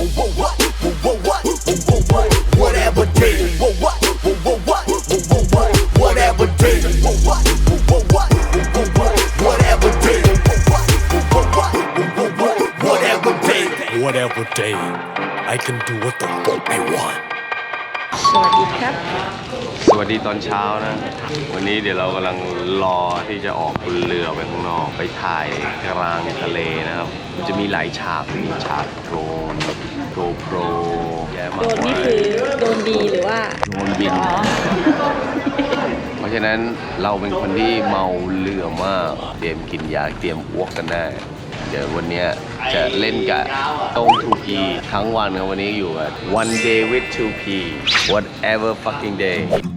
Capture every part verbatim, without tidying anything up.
whatever day, whatever day, whatever day, whatever day, whatever day, I can do what the fuck I want. สวัสดีครับสวัสดีตอนเช้านะวันนี้เดี๋ยวเรากำลังรอที่จะออกบนเรือไปข้างนอกไปถ่ายกลางทะเลนะครับมันจะมีหลายฉากมีฉากโดรนโกโปรแย่มากโดนนี่คือโดนดีหรือว่าโดนบินเพราะฉะนั้นเราเป็นคนที่เมาเรือมากเตรียมกินยาเตรียมอ้วกกันได้เดี๋ยววันนี้จะเล่นกับต้ง ทู พี ทั้งวันครับวันนี้อยู่กับ one day with ทู พี whatever fucking day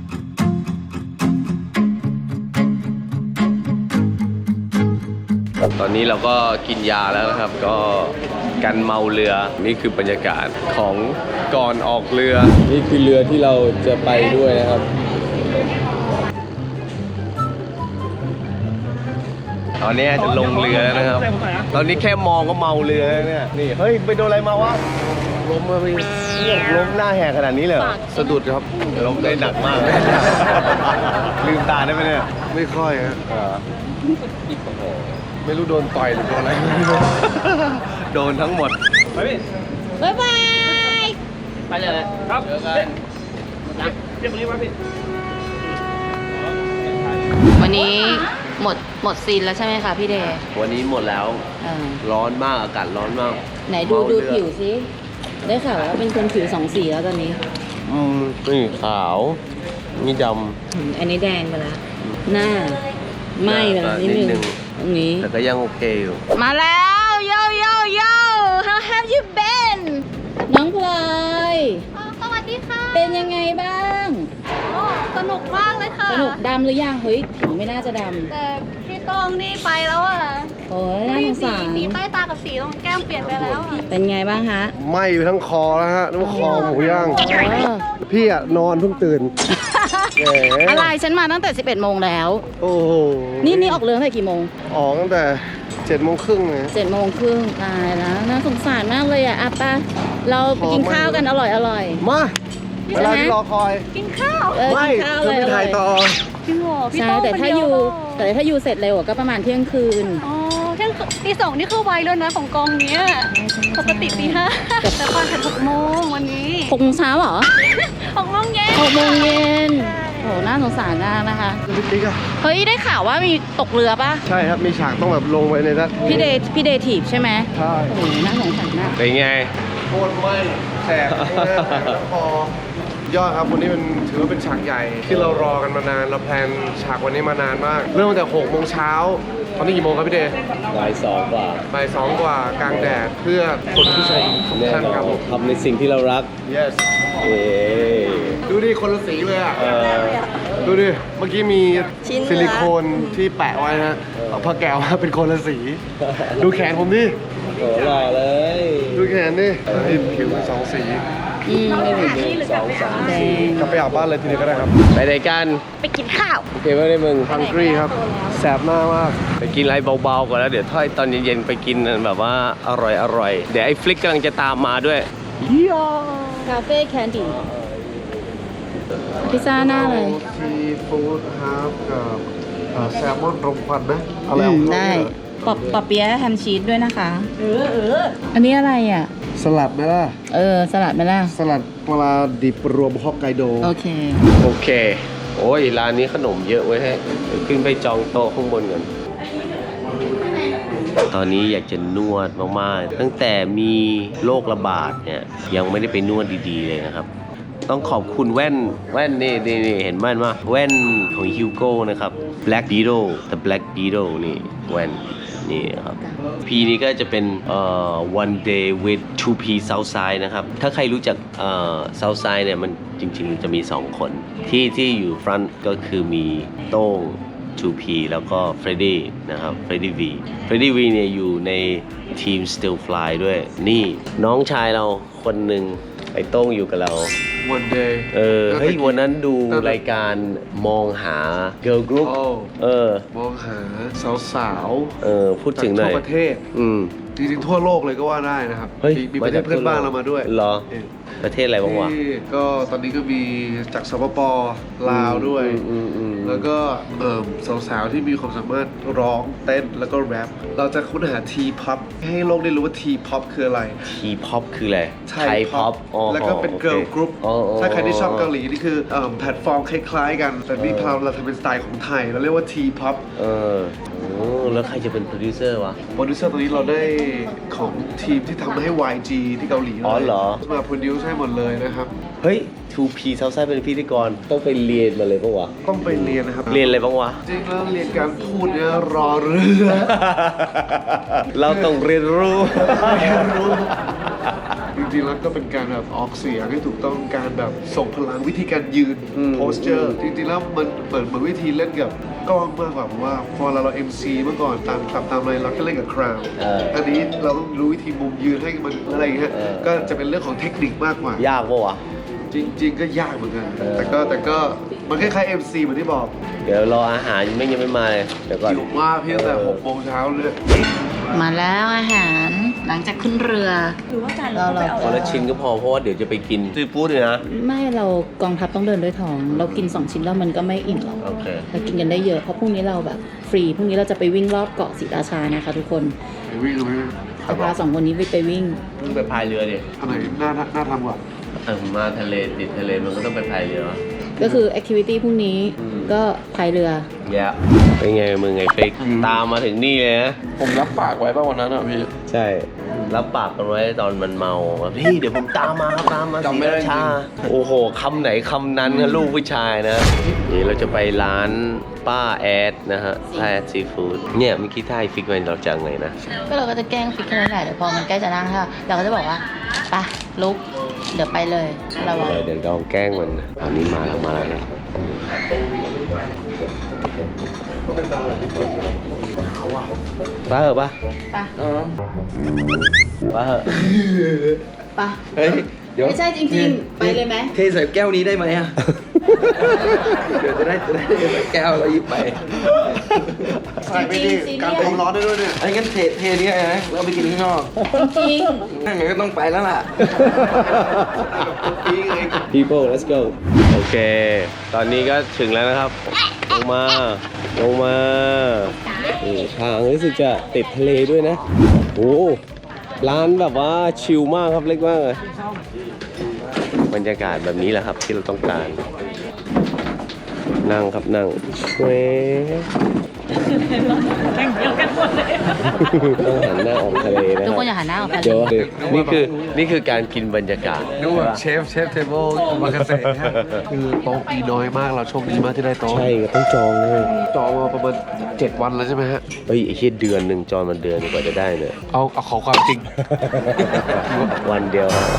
ตอนนี้เราก็กินยาแล้วนะครับก็กันเมาเรือนี่คือบรรยากาศของก่อนออกเรือนี่คือเรือที่เราจะไปด้วยนะครับตอนนี้จะลงเรือแล้วนะครับตอนนี้แค่มองก็เมาเรือแล้วเนี่ยนี่เฮ้ยไปโดนอะไรมาวะล้มมาไปล้มหน้าแหกขนาดนี้เลยสะดุดครับล้มได้หนักมากลืมตาได้ไหมเนี่ยไม่ค่อยฮะไม่รู้โดนต่อยหรือโดนอะไรโดนทั้งหมดไปพี่บ๊ายบายไปเลยครับเจอกันเรียบร้อยพี่วันนี้หมดหมดซีนแล้วใช่ไหมคะพี่เดย์วันนี้หมดแล้วร้อนมากอากาศร้อนมากไหนดูดูผิวสิได้ข่าวว่าเป็นคนผิวสองสีแล้วตอนนี้อืมนี่ขาวนี่ดำอันนี้แดงไปแล้วหน้าไหม้ไปแล้วนิดนึงตรงนี้แต่ก็ยังโอเคอยู่มาแล้วโยโยโย how have you been น้องพลอยสวัสดีค่ะเป็นยังไงบ้างสนุกมากเลยค่ะสนุกดำหรือยังเฮ้ยผิวไม่น่าจะดำแต่พี่ต้องนี่ไปแล้วอ่ะโอ้ยน่าสงสารสีใต้ตากับสีตรงแก้มเปลี่ยนไปแล้วเป็นไงบ้างฮะไหม้ไปทั้งคอแล้วฮะน้ำคอหมูย่างพี่อะนอนเพิ่งตื่นอะไรฉันมาตั้งแต่สิบเอ็ดโมงแล้วโอ้โหนี่นี่ออกเรือตั้งแต่กี่โมงออกตั้งแต่เจ็ดโมงครึ่งเลยเจ็ดโมงครึ่งตายแล้วน่าสงสารมากเลยอ่ะอ่ะป้าเราไปกินข้าวกันอร่อยอร่อยมาเวลาที่รอคอยกินข้าวไม่เธอไปถ่ายต่อจริงเหรอใช่แต่ถ้าอยู่แต่ถ้าอยู่เสร็จเร็วก็ประมาณเที่ยงคืนอ๋อเที่ยงตีสองนี่คือไวแล้วนะของกองเนี้ยปกติตีห้าแต่ตอนถึงหกโมงวันนี้หกโมงเช้าเหรอหกโมงเย็นหกโมงเย็นโหน่าสงสารมากนะคะเฮ้ยได้ข่าวว่ามีตกเรือป่ะใช่ครับมีฉากต้องแบบลงไปในนั้นพี่เดย์พี่เดย์ถีบใช่ไหมใช่โอ้โหน่าสงสารมากเป็นไงโคตรไหม้แสบคอยอดครับวันนี้มันถือว่าเป็นฉากใหญ่ที่เรารอกันมานานเราแพลนฉากวันนี้มานานมากเริ่มตั้งแต่หกโมงเช้าตอนนี้กี่โมงครับพี่เดย์บ่ายสองกว่าบ่ายสองกว่ากลางแดดเพื่อคนผู้ชมทุกท่านครับทำในสิ่งที่เรารัก yes เอ๊ดูดิคนละสีเลยอ่ะดูดิเมื่อกี้มีซิลิโคนที่แปะไว้ฮะเอาผ้าแก้วมาเป็นคนละสีดูแขนผมดิโอ้หล่อเลยดูแขนดิผิวสองสีอืมไม่เป็นสองสามสี่กลับไปอาบบ้านเลยทีนี้ก็ได้ครับไปไหนกันไปกินข้าวโอเคไหมได้มึงฮังกรีครับแสบหน้ามากไปกินอะไรเบาๆก่อนแล้วเดี๋ยวถ้าตอนเย็นๆไปกินแบบว่าอร่อยๆเดี๋ยวไอ้ฟลิกกำลังจะตามมาด้วยคาเฟ่แคนดี้พิซซ่าหน้าเลยซีฟู้ดครับกับแซลมอนรมควันนะอะไรได้ปอบปอบเปี๊ยะแฮมชีสด้วยนะคะเออเอออันนี้อะไรอ่ะสลัดไหมล่ะเออสลัดไหมล่ะสลัดปลาดิบรวมฮอกไกโดโอเคโอเคโอ้ยร้านนี้ขนมเยอะไว้ให้ขึ้นไปจองโต๊ะข้างบนก่อนตอนนี้อยากจะนวดมากๆตั้งแต่มีโรคระบาดเนี่ยยังไม่ได้ไปนวดดีๆเลยนะครับต้องขอบคุณแว่นแว่นนี่นี่เห็นแว่นว่าแว่นของฮิวโก้นะครับ Black Beetle The Black Beetle นี่แว่นนี่ครับพีนี้ก็จะเป็นเอ่อ one day with ทู พี Southside นะครับถ้าใครรู้จักเอ่อ Southside เนี่ยมันจริงๆจะมีสองคนที่ที่อยู่ front ก็คือมีโต้ง ทู พี แล้วก็เฟรดดี้นะครับเฟรดดี้วีเฟรดดี้วีเนี่ยอยู่ในทีม Still Fly ด้วยนี่น้องชายเราคนหนึ่งไอ้โต้งอยู่กับเรา one day เออเฮ้ยวันนั้นดูรายการมองหา girl group เออมองหาสาวๆเออพูดถึงหน่อยทั่วประเทศอืมจริงๆทั่วโลกเลยก็ว่าได้นะครับเฮ้ยมีมีประเทศเพื่อนบ้านเรามาด้วยเหรอเออประเทศอะไรบ้างวะที่ก็ตอนนี้ก็มีจากสปปลาวด้วยอืมอืมแล้วก็เอ่อสาวๆที่มีความสามารถร้องเต้นแล้วก็แรปเราจะค้นหา T-pop ให้โลกได้รู้ว่า T-pop คืออะไรทีพ็อปคืออะไรไทยพ็อปแล้วก็เป็น girl group ถ้าใครที่ชอบเกาหลีนี่คือเอิ่มแพลตฟอร์มคล้ายๆกัน แต่นี่เราเราทำเป็นสไตล์ของไทย เราเรียกว่า T-pop เออโอ้แล้วใครจะเป็นโปรดิวเซอร์วะโปรดิวเซอร์ตอนนี้เราได้ของทีมที่ทำให้ วาย จี ที่เกาหลีอ๋อเหรอมาโปรดิวซ์ให้หมดเลยนะครับเฮ้ย ทู พี Southside เป็นพิธีกรต้องไปเรียนมาเลยปะวะต้องไปเรียนนะครับเรียนอะไรบ้างวะจริงแล้วเรียนการพูดเนี่ยรอเรือเราต้องเรียนรู้เรียนรู้ จริงๆแล้วก็เป็นการแบบออกเสียงให้ถูกต้องการแบบส่งพลังวิธีการยืนอืมโพสเจอร์จริงๆแล้วมันเหมือนเหมือนวิธีเล่นกับกล้องมากกว่าผมว่าพอเราเรา เอ็ม ซี เมื่อก่อนตามตามตามอะไรเราก็เล่นกับคราวเอออันนี้เราต้องรู้วิธีมุมยืนให้มันอะไรอย่างเงี้ยเออก็จะเป็นเรื่องของเทคนิคมากกว่ายากปะวะจริง ๆ ก็ยากเหมือนกันเออแต่ก็แต่ก็มันคล้ายๆ เอ็ม ซี เหมือนที่บอกเดี๋ยวรออาหารยังไม่ยังไม่มาเลย เดี๋ยวก่อนหิวมากพี่ตั้งแต่หกโมงเช้าเลยมาแล้วอาหารหลังจากขึ้นเรือเราเราคนละชิ้นก็พอเพราะว่าเดี๋ยวจะไปกินซีฟู้ดเลยนะไม่เรากองทัพต้องเดินด้วยท้อง เรากินสองชิ้นแล้วมันก็ไม่อิ่มหรอกโอเคเรากินกันได้เยอะเพราะพรุ่งนี้เราแบบฟรีพรุ่งนี้เราจะไปวิ่งรอบเกาะศรีราชานะคะทุกคนไปวิ่งกันไหมจะพาสองคนนี้ไปไปวิ่งมึงไปพายเรือดิอันไหนน่าน่าทำกว่าเออมาทะเลติดทะเลมันก็ต้องไปพายเรือก็คือแอคทิวิตี้พรุ่งนี้อืมก็พายเรือแย่เป็นไงมึงไงฟิกตามมาถึงนี่เลยนะผมรับปากไว้ป่ะวันนั้นอ่ะพี่ใช่ รับปากกันไว้ตอนมันเมาว่าพี่เดี๋ยวผมตามมาครับตามมาจำไม่ได้ศรีราชาโอ้โหคำไหนคำนั้นนะลูกผู้ชายนะนี่เราจะไปร้านป้าแอดนะฮะป้าแอดซีฟู้ดเนี่ยเมื่อกี้ท่ายฟิกไว้เราจะไงนะก็เราก็จะแกล้งฟิกแค่นั้นแหละเดี๋ยวพอมันใกล้จะนั่งค่ะเราก็จะบอกว่าไปลุกเดี๋ยวไปเลยเราบอกเออเดี๋ยวลองแกล้งมันนะตอนนี้มาแล้วมาแล้วนะป้าเหรอป้าไปป้าเหรอไปเฮ้ย เดี๋ยวไม่ใช่จริงๆ ไปเลยไหมเทใส่แก้วนี้ได้ไหมอ่ะ เดี๋ยวจะได้จะได้เทใส่แก้วแล้วหยิบไปใส่ไปดิการความร้อนได้ด้วยเนี่ยไอ้งั้นเทเทนี้นะแล้วเอาไปกินข้างนอกจริงงั้นก็ต้องไปแล้วล่ะปีไง people let's go โอเค ตอนนี้ก็ถึงแล้วนะครับ ลงมา ลงมานี่ทางรู้สึกจะติดทะเลด้วยนะ โอ้ร้านแบบว่าชิลมากครับเล็กมากเลยบรรยากาศแบบนี้แหละครับที่เราต้องการ นั่งครับนั่งเว้นั่งเดียวกันหมดเลยต้องหันหน้าออกทะเลนะทุกคครันบอย่าหันหน้าออกทะเลเดี๋ยวนี่คือนี่คือการกินบรรยากาศนึกว่าเชฟเชฟเทเบิลมาเกษตรคือโต๊ะมีน้อยมากเราโชคดีมากที่ได้โต๊ะใช่ก็ต้องจองเลยจองมาประมาณเจ็ดวันแล้วใช่ไหมฮะเฮ้ยไอ้เหี้ยเดือนหนึ่งจองมันเดือนกว่าจะได้เนี่ยเอาเอาขอความจริงวันเดียวครับ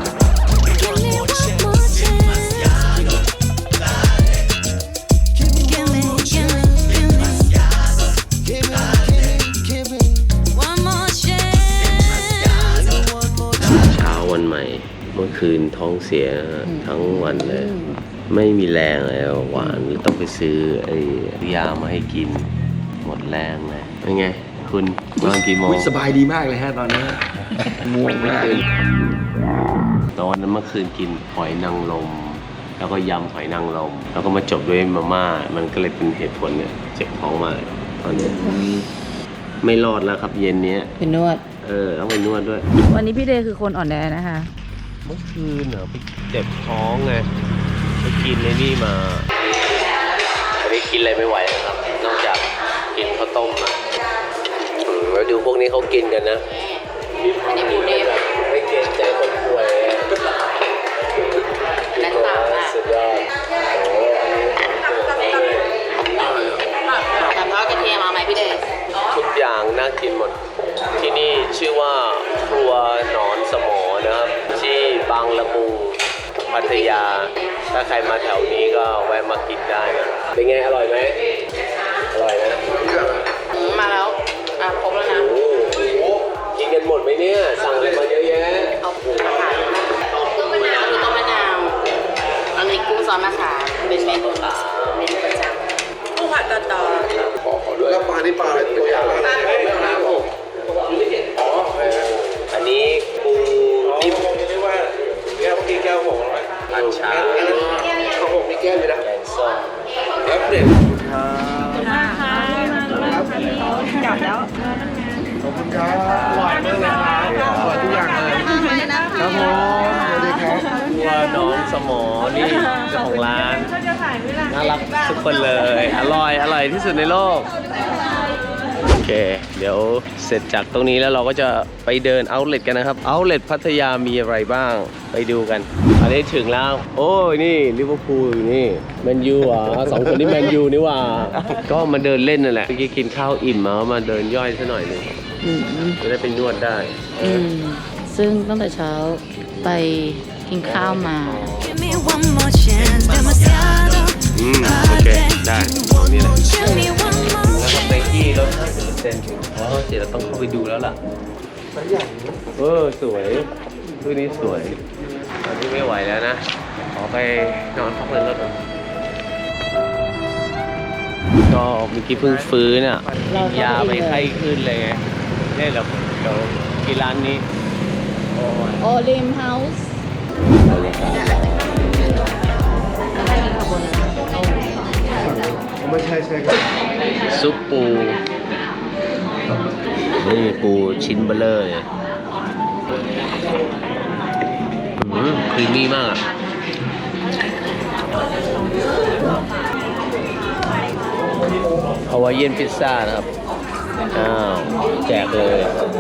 เช้าวันใหม่ เมื่อคืนท้องเสียทั้งวันเลย ไม่มีแรงเลยหวานต้องไปซื้อไอ้ยามาให้กิน หมดแรงเลยเป็นไง คุณนอนกี่โมงอุ๊ยสบายดีมากเลยฮะตอนนี้ง่วงมากเลยตอนนั้นเมื่อคืนกินหอยนางรมแล้วก็ยำหอยนางรมแล้วก็มาจบด้วยมาม่ามันก็เลยเป็นเหตุผลเนี่ยเจ็บท้องมากตอนนี้ไม่รอดแล้วครับเย็นเนี้ยเป็นนวดเออต้องไปนวดด้วยวันนี้พี่เดย์คือคนอ่อนแอนะคะเมื่อคืนเหรอไปเจ็บท้องไงไปกินในนี่มาอันนี้กินอะไรไม่ไหวเลยครับ นอกจากกินข้าวต้มอ่ะอืมแล้วดูพวกนี้เขากินกันนะอันนี้กูเดย์แบบไม่เกรงใจคนป่วยและสามอ่ะสุดยอดแต่ทอดกระเทียมมาไหมพี่เดย์ทุกอย่างน่ากินหมด ที่นี่ชื่อว่าครัวหนอนสมอนะครับ ที่บางละมุงพัทยา ถ้าใครมาแถวนี้ก็แวะมากินได้นะเป็นไงอร่อยไหมอร่อยนะมาแล้วอ่ะครบแล้วนะโอ้โหกินกันหมดไหมเนี่ยสั่งอะไรมาเยอะแยะเอาอาหารต้มมะนาวคือต้มมะนาวอันนี้กุ้งซอสมะขามเป็นเมนูเมนูประจำกุ้งผัดตอตอแล้วปลานี่ปลาอะไรตัวใหญ่ปลาไม่เอาน้ำผมไม่เห็นอ๋อน้องสมอนี่เจ้าของร้านน่ารักทุกคนเลย อร่อยอร่อยที่สุดในโลกโอเคเดี๋ยวเสร็จจากตรงนี้แล้วเราก็จะไปเดินเอาท์เลทกันนะครับเอาท์เลทพัทยามีอะไรบ้างไปดูกันอันนี้ถึงแล้วโอ้ยนี่ลิเวอร์พูลอยู่นี่แมนยูอ่ะสองคนนี้แมนยูนี่ว่าก็มาเดินเล่นนั่นแหละเมื่อกี้กินข้าวอิ่มมามาเดินย่อยซะหน่อยหนึงจะได้ไปนวดได้อืมซึ่งตั้งแต่เช้าไปกินข้าวมา Give me one more chance, demasiado. อืมโอเคได้ตรงนี้แหละ Give me one more แล้วก็ไนกี้ลดห้าสิบเปอร์เซ็นต์อ๋อเดี๋ยวเราต้องเข้าไปดูแล้วล่ะเออสวยรูปนี้สวยตอนนี้ไม่ไหวแล้วนะขอไปนอนพักเรื่องรถก่อนก็เมื่อกี้เพิ่งฟื้นอ่ะกินยาไปไข้ขึ้นเลยไงเนี่ยเดี๋ยวเดี๋ยวกินร้านนี้โอ้ยโอลิมเฮาส์ไม่ใช่ใช่ครับซุปปูนี่ปูชิ้นเบลเลอร์เลยอืมครีมมี่มากฮาวายเอียนพิซซ่านะครับอ้าวแจกเลย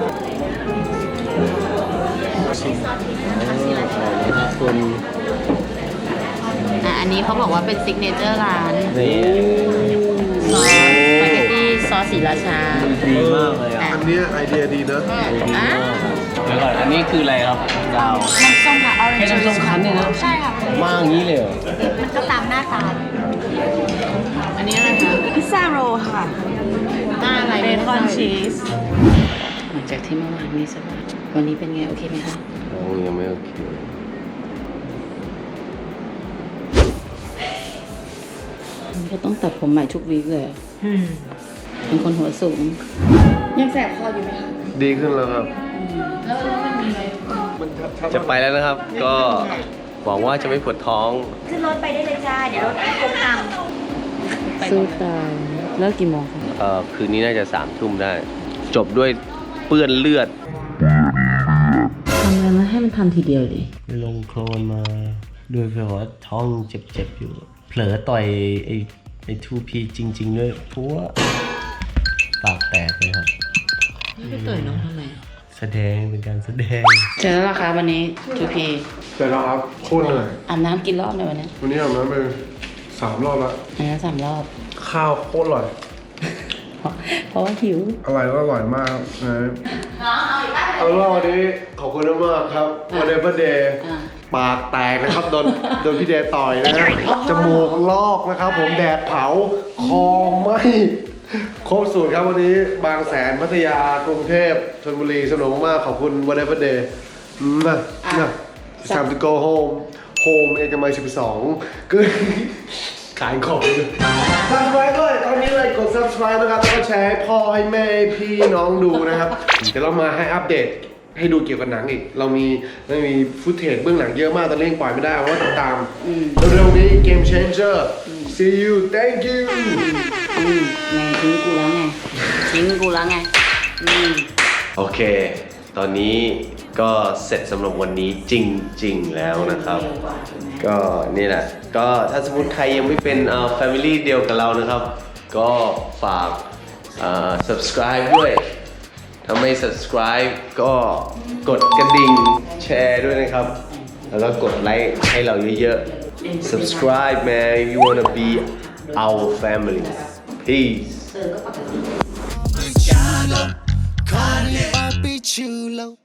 คุณอ่ะอันนี้เขาบอกว่าเป็นซิกเนเจอร์ร้านนี่ซอสสปาเกตตี้ซอสสีราชาดีมากเลยอ่ะอันเนี้ยไอเดียดีนะอ่ะเดี๋ยวก่อนอันนี้คืออะไรครับดาวน้ำส้มค่ะออเรนแค่จ์น้ำส้มคั้นเนี่ยนะใช่ค่ะมากอย่างนี้เลยเหรอมันก็ตามหน้าตาอันนี้อะไรคะพิซซ่าโรลค่ะหน้าอะไรเบคอนชีสหลังจากที่เมื่อวานมีสบายวันนี้เป็นไงโอเคไหมคะโอ้ยังไม่โอเคมันก็ต้องตัดผมใหม่ทุกวีคเลยอะเป็นคนหัวสูง ยังแสบคออยู่ไหมคะดีขึ้นแล้วครับแล้วแล้วมันมีอะไรมันชัดจะไปแล้วนะครับ ก็หวังว่าจะไม่ปวดท้องขึ้นรถไปได้เลยจ้า เดี๋ยวรถคงทางสู้ตายเลิกกี่โมงคะเอ่อคืนนี้น่าจะสามทุ่มได้ จบด้วยเปื้อนเลือดทำอะไรมาให้มันทำทีเดียวดิลงโคลนมาด้วยเพราะว่าท้องเจ็บๆอยู่ เผลอต่อยไอ้ไอ้ทูพีจริงๆด้วยเพราะว่าปากแตกเลยครับไปต่อยน้องทำไมแสดงเป็นการแสดงเจอแล้วราคาวันนี้ทูพีแต่เราครับโคตรเหนื่อยอาบน้ำกี่รอบในวันนี้วันนี้อาบน้ำไปสามรอบแล้วอาบน้ำสามรอบข้าวโคตรอร่อยเพราะเพราะว่าหิวอร่อยก็อร่อยมากนะเอาเป็นว่าวันนี้ขอบคุณมากครับวันเดย์เบอร์เดย์อ่าปากแตกนะครับโดนโดนพี่เดย์ต่อยนะฮะจมูกลอกนะครับ ผมแดดเผาคอไหมครบสูตรครับวันนี้บางแสนพัทยากรุงเทพชลบุรีสนุกมากๆขอบคุณวันเดย์เบอร์เดย์นะนะ It's time to go home home เอกมัยสิบสองคือ ขายของเลย subscribe ด้วยตอนนี้เลยกด subscribe นะครับแล้วก็แชร์ให้พ่อให้แม่ให้พี่น้องดูนะครับ เดี๋ยวเรามาให้อัปเดตให้ดูเกี่ยวกับหนังอีก เรามีเรามีฟุตเทจเบื้องหลังเยอะมากตอนนี้ยังปล่อยไม่ได้เพราะว่าติดตามเร็วๆนี้ Game Changer see you thank you อืมไงทิ้งกูแล้วไงทิ้งกูแล้วไงอืมโอเค ตอนนี้ก็เสร็จสำหรับวันนี้จริงๆแล้วนะครับ ก็นี่แหละ ก็ถ้าสมมติใครยังไม่เป็นเอ่อ family เดียวกับเรานะครับ ก็ฝากเอ่อ subscribe ด้วย ถ้าไม่ subscribe ก็กดกระดิ่งแชร์ด้วยนะครับ แล้วก็กดไลค์ให้เราเยอะๆ subscribe man if you wanna be our family peace Papi chulo.